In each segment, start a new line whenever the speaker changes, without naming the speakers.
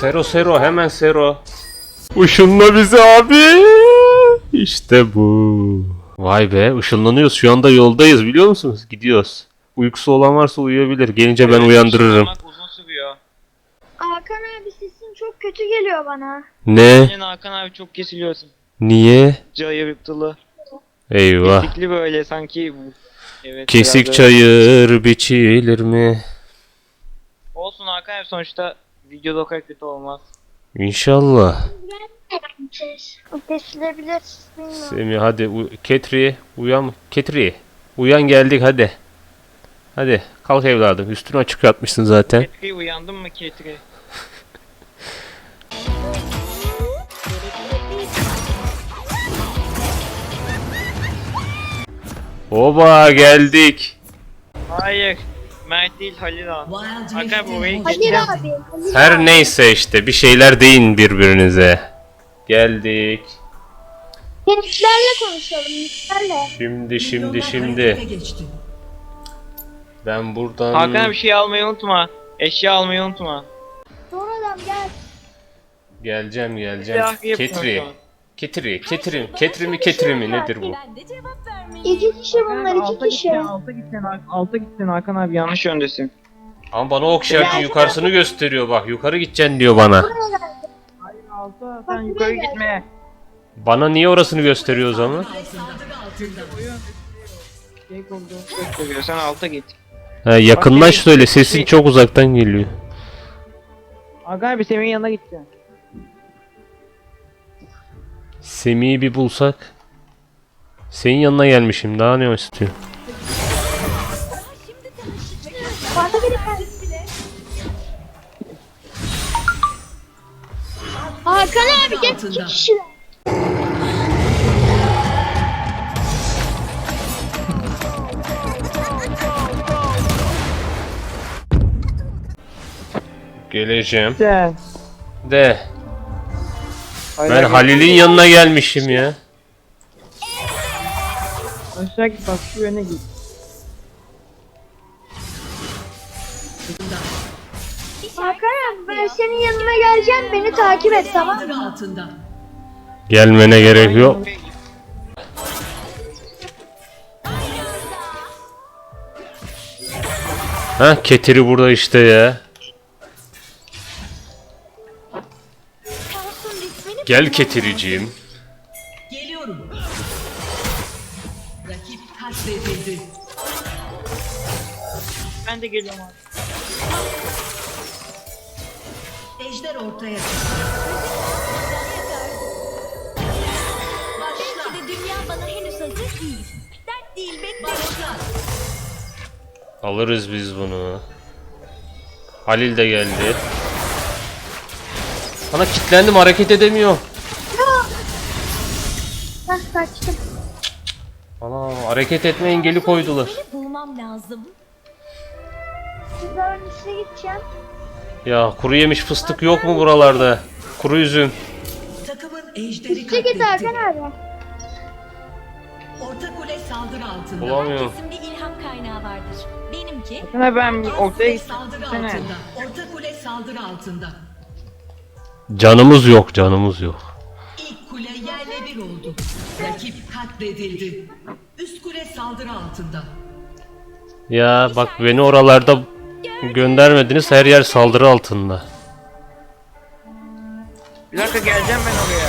Sero hemen Sero. Işınla bizi abi. İşte bu. Vay be, ışınlanıyoruz. Şu anda yoldayız, biliyor musunuz? Gidiyoruz. Uykusu olan varsa uyuyabilir. Gelince ben uyandırırım.
Uzun sürüyor.
Hakan abi sesin çok kötü geliyor bana.
Ne?
Senin Hakan abi çok kesiliyorsun.
Niye?
Cayırtılı.
Eyvah.
Kesikli böyle sanki. Evet,
Kesik
biraz
çayır biçilir mi?
olsun Hakan abi, sonuçta videoda o kadar kötü olmaz.
İnşallah.
O kesilebilir. Bilmiyorum.
Semih hadi Ketri uyan. Ketri uyan, geldik hadi. Hadi kalk evladım, üstünü açık yatmışsın zaten.
Ketri, uyandın mı Ketri?
Oba geldik.
Hayır. Mert değil, Halil abi. Hakan abi orayı
Halil
geçeceğim.
abi. Halil
Her
abi.
neyse işte bir şeyler deyin birbirinize. Geldik.
Gençlerle konuşalım. Gençlerle.
Şimdi. Ben buradan...
Hakan abi bir şey almayı unutma. Eşya almayı unutma.
Sonradan gel.
Geleceğim.
Silah yapıyorum.
Ketri mi nedir bu?
İki kişi bunlar, iki kişi.
Alta gitsen Hakan abi, yanlış yöndesin.
Ama bana ok işareti yukarısını gösteriyor, bak yukarı gideceksin diyor bana.
Hayır, alta sen yukarı gitme.
Bana niye orasını gösteriyor o zaman?
Sen alta git.
Ha, yakınlaş söyle, sesin çok uzaktan geliyor.
Hakan abi Semih'in yanına gideceksin.
Semih'i bir bulsak. Senin yanına gelmişim, daha ne istiyor?
Bana biri Hakan abi gel, iki kişiler.
Geleceğim.
Sen.
De. Ben Halil'in yanına gelmişim ya.
Aşağı git, bak şu yöne git.
Hakan abi ben senin yanına geleceğim, beni takip et, tamam mı?
Gelmene gerek yok. Ha, Ketiri burada işte ya. Gel Ketiriciğim.
Geliyorum. Rakip katledildi.
Ben de geliyorum abi.
Ejder ortaya çıktı.
Belki de dünya bana henüz hazır değil. Dert değil, bekle.
Başla.
Alırız biz bunu. Halil de geldi. Bana kilitlendim, hareket edemiyor.
Hah, kaçtım.
Ana, hareket etme engeli koydular.
Beni bulmam lazım.
Sizden öncesine gideceğim.
Ya kuru yemiş fıstık yok mu buralarda? Kuru üzüm.
Takımın ejderi
Üste git
katletti.
Hakan abi.
Orta kule saldırı altında.
Bulamıyorum.
Herkesin bir ilham kaynağı vardır. Benimki
Hakan abi ben
Orta
ortaya
kule
gittim.
saldırı
Sene.
altında. Orta kule saldırı altında.
Canımız yok.
İlk kule yerle bir oldu. Rakip katledildi. Üst kule saldırı altında.
Ya bak, beni oralarda göndermediniz, her yer saldırı altında.
Bir dakika, geleceğim ben oraya.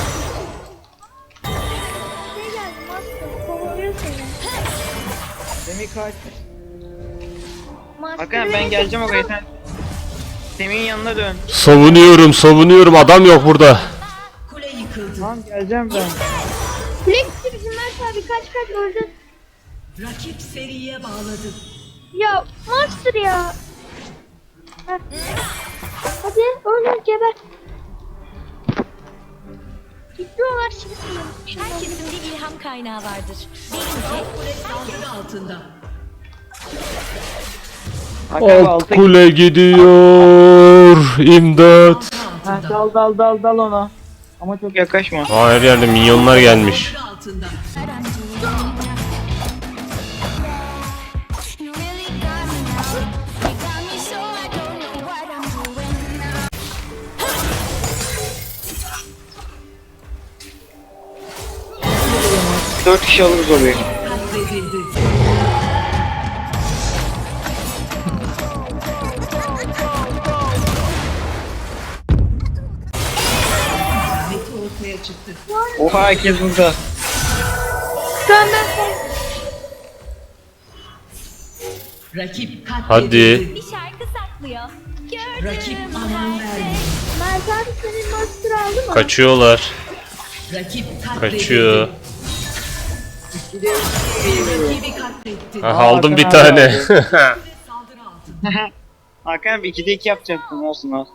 Şey geldi, Master kovalıyor seni.
Semih kaç.
Master
Hakan abi ben
beni
geleceğim oraya,
tutsana.
sen Semih'in yanına dön.
Savunuyorum, adam yok burada.
Kule yıkıldı.
Tamam, geleceğim ben.
Flex bizim Mert abi, kaç öldü.
Rakip seriye bağladı.
Ya Master ya. Heh. Hadi öldür, geber. Gidiyorlar şimdi.
herkesin bir ilham kaynağı vardır. Benimki
Kule saldırı altında.
Hakan abi alta git.
Kule gidiyor. İmdat.
Ha, dal ona. Ama çok yaklaşma.
Aa, her yerde minyonlar gelmiş.
Saldırı altında.
4 kişi alırız orayı.
Katledildi. Ahmet'i ortaya çıktı.
Oha herkes burada.
Şu an ben
Rakip
Hadi.
katledildi.
Bir şarkı saklıyor. Gördüm
Rakip aman
her
vermiyor.
şey.
Mert abi senin master aldı mı?
Kaçıyorlar.
Rakip katledildi.
Kaçıyor.
Rakibi katletti.
Ha, aldım bir
Hakan
tane.
abi.
Saldırı altında.
Hakan abi 2'de 2 yapacaktım olsun al.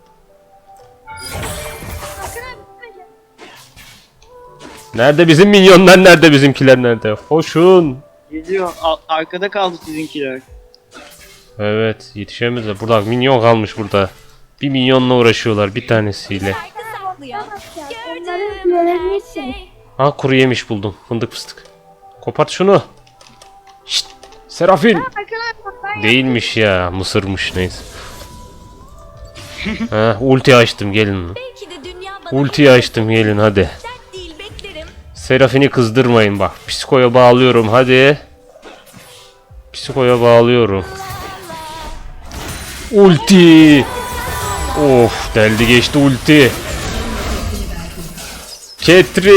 Hakan abi gitmeyeceğim.
Nerede bizim minyonlar, nerede bizimkiler, nerede? Hoşun.
Geliyor. Arkada kaldı sizinkiler.
Evet, yetişemezler. Burada minyon kalmış burada. Bir minyonla uğraşıyorlar bir tanesiyle.
Şarkı saklıyor.
Onların
Gördüm
görevini
her
istedim.
şey.
Ha, kuru yemiş buldum. Fındık fıstık. Kopart şunu. Şşt. Serafin.
Hakan abi bak ben
Değilmiş ya. Mısırmış, neyse. Ha, ulti açtım, gelin.
Belki de dünya bana
Ultiyi açtım, gelin hadi.
dert değil, beklerim.
Serafini kızdırmayın bak. Psikoya bağlıyorum hadi. Psikoya bağlıyorum. Ulti. Of, deldi geçti ulti. Ketri.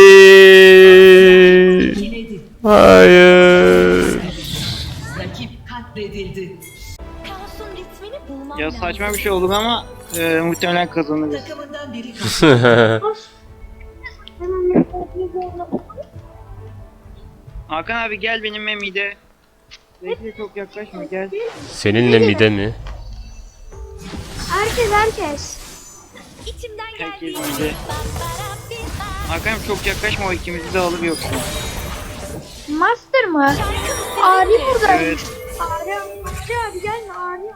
Yenedi.
Hayır.
Rakip katledildi.
Kaosun ritmini bulmam
Ya
lazım.
saçma bir şey olur ama muhtemelen kazanırız.
Takımından biri katledildi.
Hakan abi gel benimle mide. Bekle çok yaklaşma gel.
Seninle mide mi?
herkes.
İçimden
Herkes
geldiği
mide.
gibi.
Hakan abi çok yaklaşma o ikimizi de alır yoksa.
Master mı?
Şarkım
Ari
seninle.
buradaymış.
Evet.
Ari abi gelme Ari.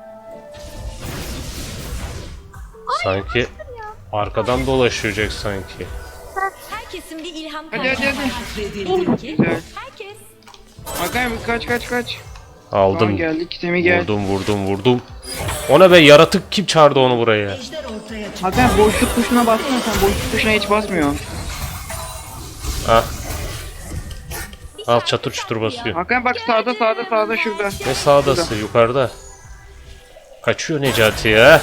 Sanki arkadan dolaşacak sanki.
Herkesin bir ilham
Hadi
kaynağı.
hadi hadi.
Katledildi.
Güzel.
Herkes.
Hakan abi kaç. Tamam
Aldım.
geldik Semih gel.
Vurdum. Ona be, yaratık kim çağırdı onu buraya?
Ejder ortaya çıktı.
Hakan boşluk tuşuna bassana sen boşluk tuşuna hiç basmıyorsun.
Ah,
Bir
al
şarkı
çatır çutur
saklıyor.
basıyor.
Hakan bak sağda şurada.
Ne sağdası, yukarıda. Kaçıyor Necati ya.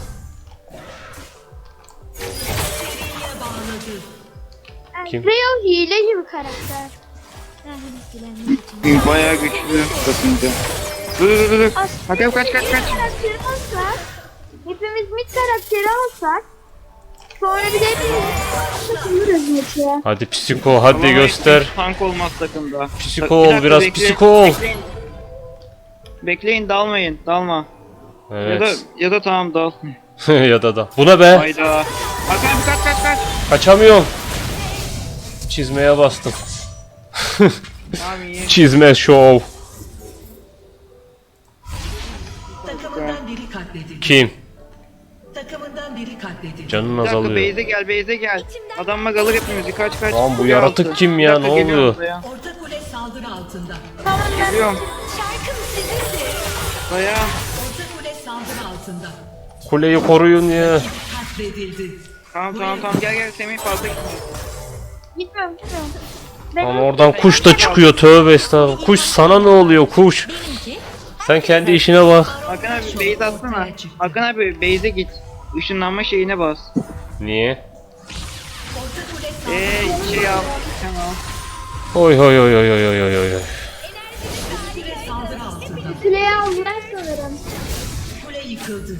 Kim?
Real hile gibi karakter.
Bayağı güçlü basınca. Dur. Hakan kaç.
Karakteri alsak. Hepimiz mid karakteri alsak. Sonra bir de hepimiz takılırız maçı.
Hadi psiko, hadi
Ama
göster.
hiç Tank olmaz takımda.
Psiko
Bir
ol,
dakika,
biraz
bekle,
psiko ol.
Bekleyin dalma.
Evet.
Ya da tamam dal.
Ya da. Buna be.
Hayda. Hakan kaç.
Kaçamıyorum. Çizmeye bastım.
Tamam iyi.
Çizme show.
Takımından biri katledildi.
Kim?
Takımından biri katledildi.
Canın
Bir dakika
azalıyor.
base'e gel. Adamla kalır hepimizi kaç.
Lan bu
Kule
yaratık
altı.
kim
Bir
ya,
dakika,
ne
geliyorum
oluyor?
Dayan.
Orta kule saldırı altında.
Geliyorum.
Şarkım sizindir.
Dayan.
Orta kule saldırı altında.
Kuleyi koruyun ya.
Katledildi.
Tamam gel Semih fazla gitme.
Gitmiyorum.
Ama oradan kuş da çıkıyor, tövbe estağfurullah. Kuş sana ne oluyor kuş?
Benimki.
Sen kendi işine bak.
Hakan abi base atsana. Hakan abi base'e git. Işınlanma şeyine bas.
Niye?
Orta kule saldırı
Şey al. Sen al.
Oy.
kule saldırı altında.
Kuleyi aldılar sanırım.
Kule yıkıldı.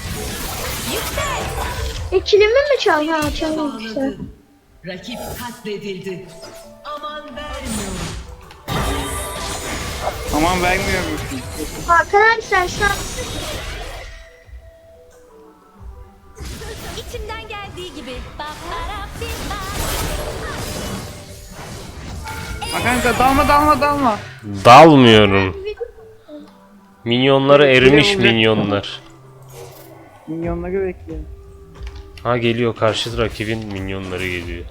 Kilimi mi çaldı? Ha çalmamışlar.
Bağladı. Rakip katledildi. Aman vermiyor.
Aman vermiyor musun?
Hakan abi sen şu an
İçimden geldiği gibi.
Hakan dalma.
Dalmıyorum. Minyonları erimiş minyonlar.
Minyonları bekliyor.
Ha, geliyor, karşı rakibin minyonları geliyor.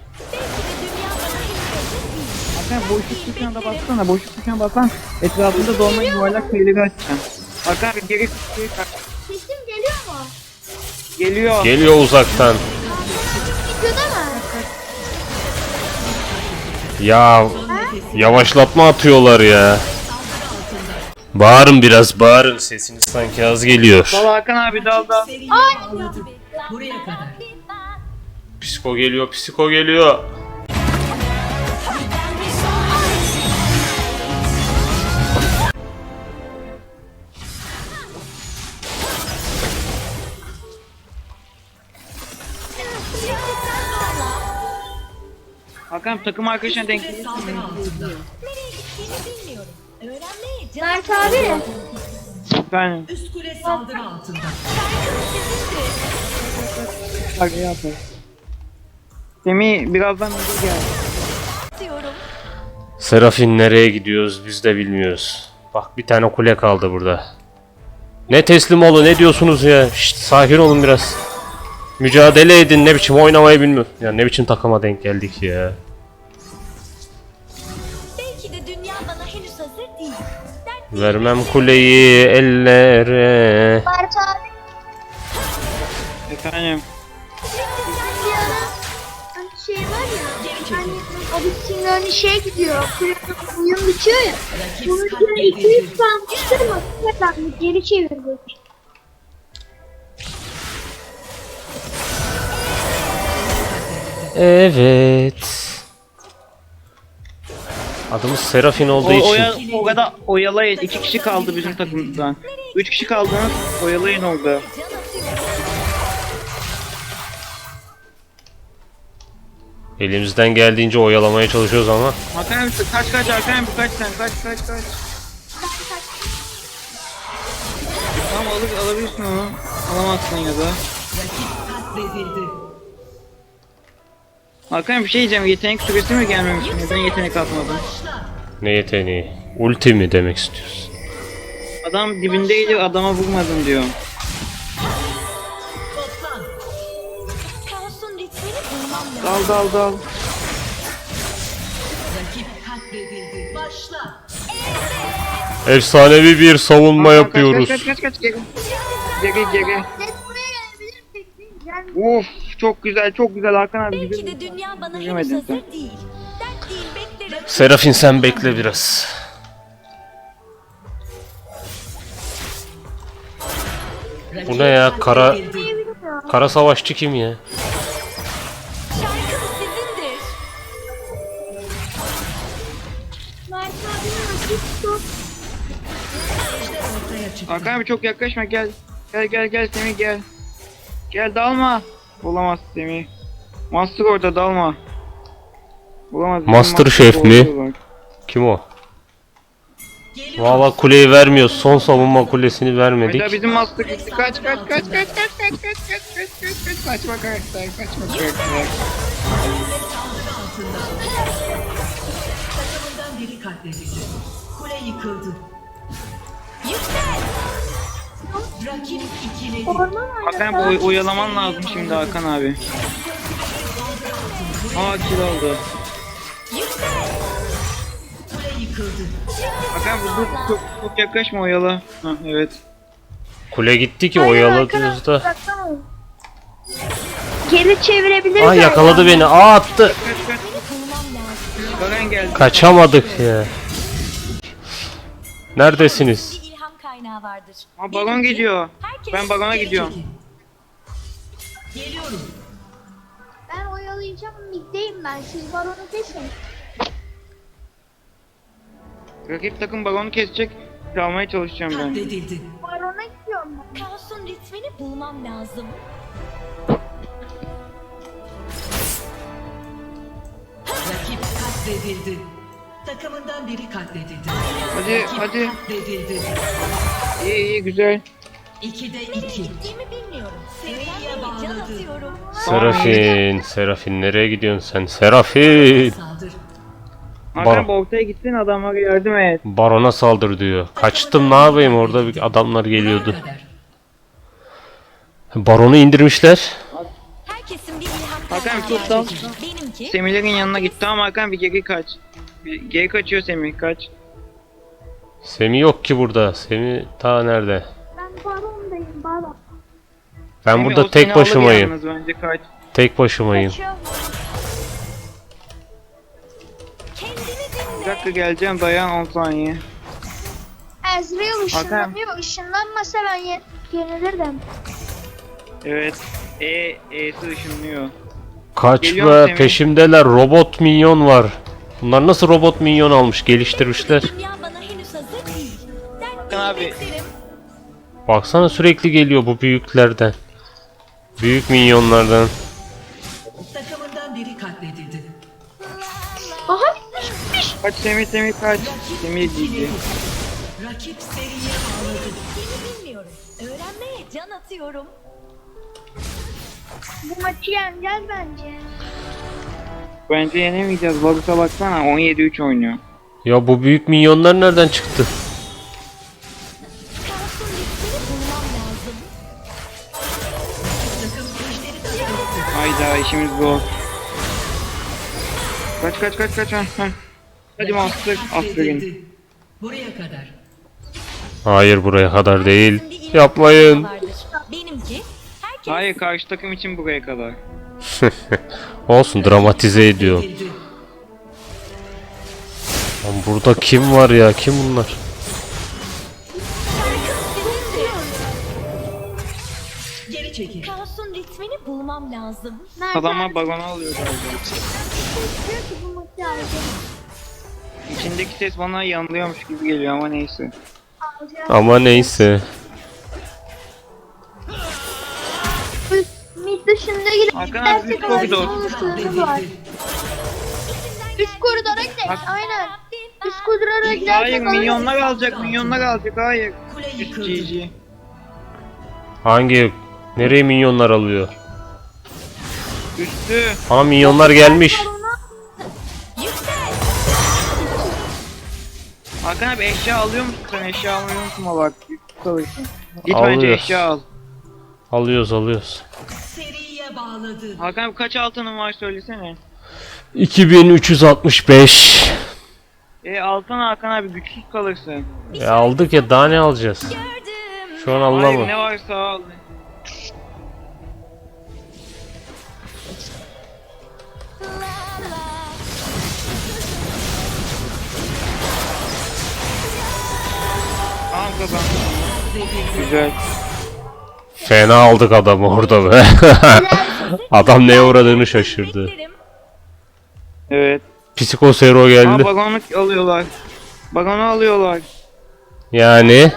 Hakan boşluk tuşuna da bassana. Boşluk tuşuna bassan etrafında dolma yuvarlak şeyleri açacaksın. Hakan abi geri kaç.
sesim geliyor mu?
Geliyor.
Geliyor uzaktan.
Videoda mı?
Ya Yavaşlatma atıyorlar ya. Bağırın biraz, bağırın. Sesiniz sanki az geliyor.
Dal Hakan abi dal.
Seriye bağladı. Buraya kadar.
Psiko geliyor, psiko geliyor.
Hakan takım arkadaşına denk
Kule saldırı altında.
Nereye gittiğini bilmiyorum. Öğrenmeye can
Mert abi.
ben.
Üst kule saldırı altında.
Bak ne yapar. Semih birazdan önce gel.
atıyorum.
Serafin nereye gidiyoruz biz de bilmiyoruz. Bak bir tane kule kaldı burada. Ne teslim olun, ne diyorsunuz ya? Şşt, sakin olun biraz. Mücadele edin, ne biçim oynamayı bilmiyor. Ya ne biçim takıma denk geldik ya.
Belki de dünya bana henüz hazır değil. Dert
Vermem kuleyi ellere.
Mert abi.
Efendim.
Bir ara hani şey var ya. Hani Abisinin hani şey gidiyor. Oyun bitiyor ya. Bunun üzerine 200 kalmıştır mı? Tekrar geri çevirdik.
Evet. Adımız Serafin olduğu için.
O kadar oyalayın. 2 kişi kaldı bizim takımdan. 3 kişi kaldınız. Oyalayın orada.
can atıyorum.
Elimizden geldiğince oyalamaya çalışıyoruz ama.
Hakan abi kaç Hakan abi kaç sen kaç. Tamam alabilirsin onu. Alamazsın ya da.
Rakip katledildi.
Hakan bir şey diyeceğim. Yetenek süresi mi gelmemiş? Neden yetenek atmadın?
Başla.
Ne yeteneği? Ulti mi demek istiyorsun?
Adam dibindeydi adama vurmadın diyor.
Toplan.
Kaosun ritmini bulmam lazım.
Dal.
Rakip katledildi. Başla.
Efsanevi bir savunma yapıyoruz.
Kaç geri. Geri.
Net buraya gelebilir peki. Gel.
Of çok güzel Hakan abi.
Belki
güzel.
de dünya bana henüz
Bilemedin
hazır
sen.
değil. Dert değil beklerim.
Serafin sen bekle biraz.
Rakip
Bu ne ya?
katledildi.
Kara savaşçı kim ya?
Şarkım sizindir.
Mert abinin asist top.
Ortaya çıktı.
Hakan abi çok yaklaşma gel. Gel Semih gel. Gel dalma. Olamaz Semih. Master orada dalma. Olamaz. bizim
Master Chef
orada
mi?
var.
Kim o?
Geliyor.
Valla kuleyi vermiyoruz. Son savunma kulesini vermedik.
Hayda bizim Master gitti. Kaç. Kaçma karakter. Kaçma karakter.
Saldırı altında. Takımından biri katledildi. Kule yıkıldı.
Yüksel.
Rakip ikiledi.
Orman var.
Hakan abi oyalaman lazım şimdi Hakan abi. Kill oldu.
Yüksel.
Kule yıkıldı.
Hakan abi dur çok yaklaşma oyala. Ha evet.
Kule gitti ki
Hayır,
oyaladınız da.
baksana. Geri çevirebiliriz.
Aa yakaladı beni. Aa attı.
Kaç.
Bulmam lazım.
Garen geldi.
Kaçamadık ya. Neredesiniz?
Bir ilham kaynağı vardır.
Aa balon gidiyor.
Herkes
Ben balona
Geri
gidiyorum.
çekil. Geliyorum.
Ben oyalayacağım. Middeyim ben. Siz baronu kesin.
Rakip takım balonu kesecek. Çalmaya çalışacağım ben.
Katledildi.
Barona gidiyorum ben.
Kaosun ritmini bulmam lazım.
Rakip katledildi. Takımından biri katledildi.
Hadi
Rakip
hadi.
katledildi.
İyi güzel.
2'de
Nereye
2.
gittiğimi bilmiyorum.
Seriye
Öğrenmeye can
bağladı.
atıyorum.
Serafin nereye gidiyorsun sen? Serafin.
Saldır.
Hakan bu ortaya gitsin adamlara yardım et.
Barona saldır diyor. Kaçtım ne yapayım orada bir adamlar geliyordu.
Buraya kadar.
Baronu indirmişler.
Herkesin bir ilham
Hakan
kaynağı
tut dal.
vardır. Benimki.
Semih'lerin yanına gitti ama Hakan bir geri kaç. Bir geri kaçıyor Semih kaç.
Semih yok ki burada. Semih ta nerede?
Ben barondayım. Baron.
Ben
Semih, o
burada
seni
tek
alır
başımayım.
yalnız bence kaç.
Tek başımayım.
Kaçıyorum.
Kendini dinle.
dakika geleceğim, dayan 10 saniye.
Ezreal ışınlanıyor. Işınlanmasa ben yenilirdim.
Evet. E'si ışınlıyor.
Kaç
Geliyorum
be
Semih.
peşimdeler. Robot minyon var. Bunlar nasıl robot minyon almış geliştirmişler.
Dünya bana henüz hazır değil. Dert değil
Abi.
beklerim.
Baksana sürekli geliyor bu büyüklerden. Büyük minyonlardan.
Takımından biri katledildi.
Aha bitmiş.
Kaç Semih kaç. Semih gitti.
Rakip seriye bağladı.
Seni bilmiyorum. Öğrenmeye can atıyorum.
Bu maçı yeneceğiz bence.
Bence yenemeyeceğiz. Varus'a baksana 17-3 oynuyor.
Ya bu büyük minyonlar nereden çıktı?
Kaos'un riskini bulmam lazım.
Takım ejderi katletti.
Hayda işimiz zor. Kaç. Hadi Master. Aferin.
Katledildi. Buraya kadar.
Hayır buraya kadar değil.
Herkesin bir ilk
Yapmayın.
vardır. Benimki herkes
Hayır karşı takım için buraya kadar.
Olsun dramatize ediyor.
Katledildi.
Lan burada kim var ya? Kim bunlar?
Geri çekil.
Kaos'un ritmini bulmam lazım.
Mert
Adamlar
abi
balonu alıyor galiba.
diyor ki bu maçı alacağım.
İçindeki ses bana yanılıyormuş gibi geliyor ama neyse.
Alacağım.
Ama neyse.
Mid dışında gidip
Hakan abi, üst koridor.
olasılığımız var. Üst koridora gidelim. Aynen. Üst koridora gidersek
Hayır minyonlar alacak hayır.
Kule
Üst
yıkıldı.
GG.
Hangi? Nereye minyonlar alıyor?
Üstü.
Aa minyonlar gelmiş.
Hakan abi eşya alıyor musun sen? Eşya almayı unutma bak. Kalırsın. Git bence
Alıyoruz.
eşya al.
Alıyoruz.
Seriye bağladı.
Hakan abi kaç altının var söylesene.
2365.
Altın Hakan abi güçsüz kalırsın.
Aldık ya daha ne alacağız?
Gördüm.
Şu an
Hayır
anlamadım.
ne varsa al. Tamam kazandım. Güzel.
Fena aldık adamı orada be. Adam neye uğradığını şaşırdı.
Beklerim.
Evet.
Psikosero
Aa
geldi.
bagonu alıyorlar. Bagonu alıyorlar.
Yani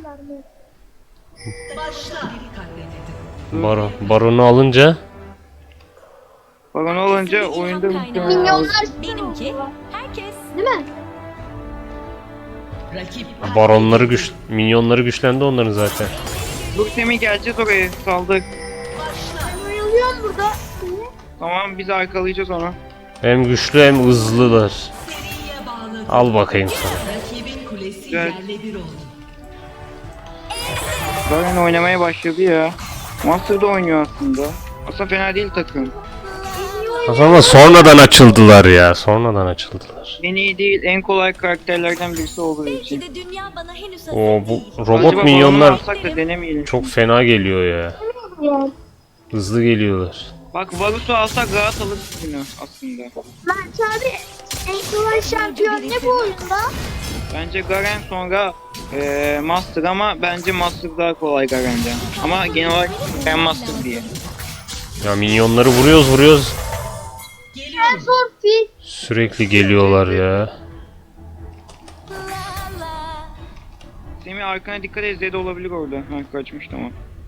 Başla. Biri katledildi.
baronu alınca
Bagonu olunca
İlham
oyunda
kaynağı.
muhtemelen
Minyonlar
Benimki herkes
değil mi?
Rakip
baronları minyonları güçlendi onların zaten.
Dur Semih geleceğiz oraya saldık.
Ben oyalıyorum burada.
Tamam biz arkalayacağız onu.
Hem güçlü hem hızlılar.
seriye bağladı.
Al bakayım sana.
Rakibin kulesi
Güzel.
yerle bir oldu.
Garen oynamaya başladı ya. Master'da oynuyor aslında. Aslında fena değil takım.
Ama sonradan açıldılar ya. Sonradan açıldılar.
En iyi değil, en kolay karakterlerden birisi olduğu
belki
için.
de dünya bana henüz hazır
O bu
değil.
robot
Acaba balonu
minyonlar
alsak da denemeyelim.
çok fena geliyor ya. Hızlı geliyorlar.
Bak Varus'u alsak rahat alırız bunu aslında.
Mert abi en kolay şampiyon ne bu oyunda?
Bence Garen sonra Master ama bence Master daha kolay Garen'den. Ama genel olarak Garen Master diye.
Ya minyonları vuruyoruz.
En zor fil.
Sürekli geliyorlar ya.
La la.
Semih arkana dikkat et, Zed olabilir orada. Ha kaçmış tamam.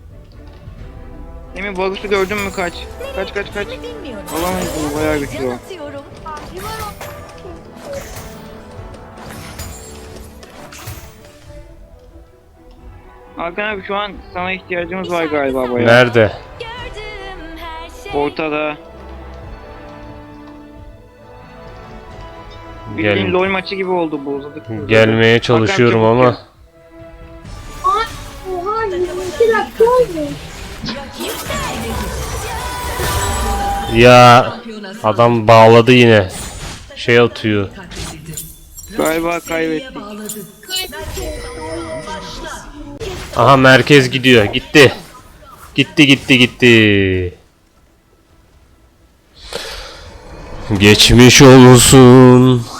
Semih Varus'u gördün mü kaç. Kaç.
Seni bilmiyorum.
Alamayız bunu, bayağı güçlü
Can
o.
atıyorum.
Hakan abi şu an sana ihtiyacımız var galiba bayağı.
Nerede?
Gördüm her şey.
Ortada. Bildiğin
Gel,
LoL maçı gibi oldu bu uzadık.
gelmeye çalışıyorum
Hakan
ama.
Oha 22 dakika oldu.
Ya
Şampiyona
adam bağladı yine. Şey atıyor.
katledildi.
Galiba
Seriye
kaybettik.
bağladı. Başla.
Aha merkez gidiyor. Gitti. Geçmiş olsun.